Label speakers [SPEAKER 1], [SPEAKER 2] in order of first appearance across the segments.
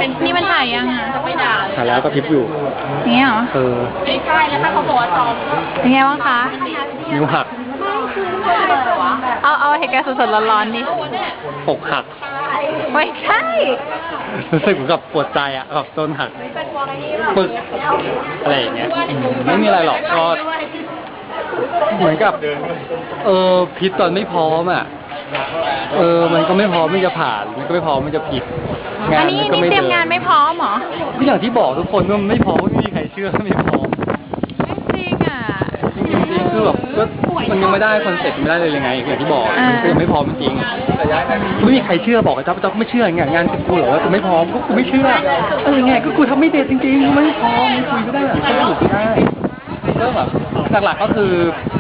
[SPEAKER 1] นี่มันถ่ายยังอ่ะไม่ด่า
[SPEAKER 2] ถ่ายแล้วก็พริบอยู่
[SPEAKER 1] อย่างเงี้ยเหรอ
[SPEAKER 3] ไม่ใช่แล้วถ้าเขาบอกว่าซ้อม
[SPEAKER 1] เป็นไงบ้างคะ
[SPEAKER 2] นิ้วหัก
[SPEAKER 1] เอาเหตุการณ์สดๆร้อนๆดิ
[SPEAKER 2] อกหัก
[SPEAKER 1] ไม่ใช่
[SPEAKER 2] รู้สึกเหมือนกับปวดใจอ่ะแบบต้นหักปึกอะไรอย่างเงี้ยไม่มีอะไรหรอกก็เหมือนกับพิษตอนไม่พร้อมอ่ะมันก็ไม่พร้อมที่จะผ่านมันก็ไม่พร้อมที่จะผิดงา
[SPEAKER 1] อั
[SPEAKER 2] น
[SPEAKER 1] นนี้
[SPEAKER 2] มันก็ไม่
[SPEAKER 1] เตรี
[SPEAKER 2] เดิ
[SPEAKER 1] ยม
[SPEAKER 2] น
[SPEAKER 1] งานไม่พร้อมเหรอ
[SPEAKER 2] ก็อย่างที่บอกทุกคนว่ามันไม่พร้อมไม่มีใครเชื่อว่าไม่พร้อม
[SPEAKER 1] ไม่จริงอ่ะ
[SPEAKER 2] จริงๆคือแบบก็มันยังไม่ได้คอนเซ็ปต์ไม่ได้เลยยังไงอย่างที่บอกมันก็ยังไม่พร้อมจริงๆไม่มีใครเชื่อบอกไอ้จ๊อบไม่เชื่อไงงานกูเหรอว่ากูไม่พร้อมก็กูไม่เชื่อไงก็กูทำไม่เด็ดจริงๆไม่พร้อมคุยไม่ได้แบบสนุกได้ก็แบบหลักๆก็คือ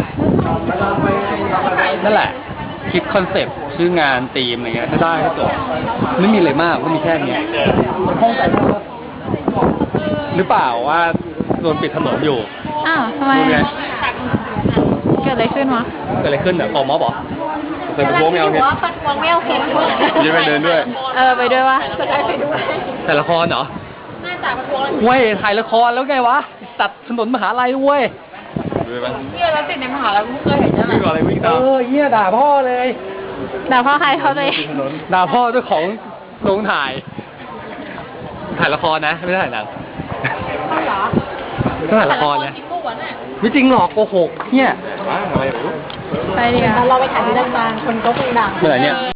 [SPEAKER 2] นั่นแหละคิดคอนเซ็ปต์ชื่องานธีมอะไรเงี้ยถ้าได้ก็จบไม่มีอะไรมากก็มีแค่นี้ห้องใจหรือเปล่าว่าโดนปิดถนนอยู่
[SPEAKER 1] อ้าวทำไมอะเกิดอะไรขึ้นวะ
[SPEAKER 2] เกิดอะไรขึ้นเนี่ยออกมาบอกเคยไปโว้งแมวเนี่ย
[SPEAKER 3] ปัดวงไม่โอเค
[SPEAKER 2] ยังไปเดินด้วย
[SPEAKER 1] ไปด้วยวะ
[SPEAKER 2] ถ่ายละครเหรอ
[SPEAKER 3] น่าจะปัดวง
[SPEAKER 2] เว้ยถ่ายละครแล้วไงวะตัดถนนมหาลัยเว้ย
[SPEAKER 3] เนี่ยเราติดในมหาลัยเพิ่งเคยเห็นใช่ไหม
[SPEAKER 2] วิ่งอะไรวิ่งตามเหี้ยด่าพ่อเลย
[SPEAKER 1] ด่าพ่อใครเขาตัวเอง
[SPEAKER 2] ด่าพ่อเจ้าของโรงถ่ายละครนะไม่ได้ถ่ายหนังก็ถ่ายละครนะไม่จริงหรอกโกหกเนี่ยอะไร
[SPEAKER 1] ไปดีกว่า
[SPEAKER 3] เราไปถ่ายที่ดังๆคนก็คงดัง
[SPEAKER 2] เมื่อไหร่เนี่ย